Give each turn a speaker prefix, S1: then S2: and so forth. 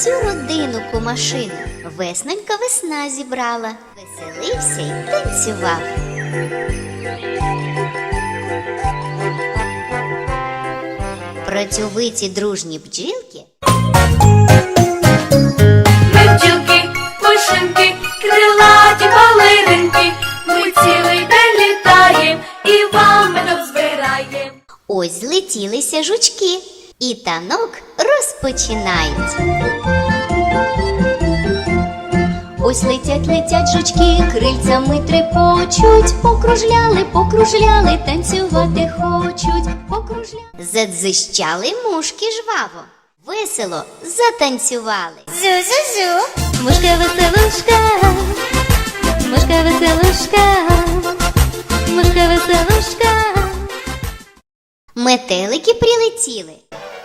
S1: всю родину кумашину веснонька весна зібрала, веселився й танцював. Працьовиті дружні бджілки
S2: ми бджілки, пушинки, крилаті балеринки, ми цілий день літаєм і вам медок збираєм.
S1: ось злетілися жучки і танок розпочинають. Ось летять жучки, крильцями трепочуть, покружляли, танцювати хочуть, покружляли. Задзищали мушки жваво, весело затанцювали. Зю-зю-зю, мушка-веселушка, мушка-веселушка, мушка-веселушка. Метелики прилетіли,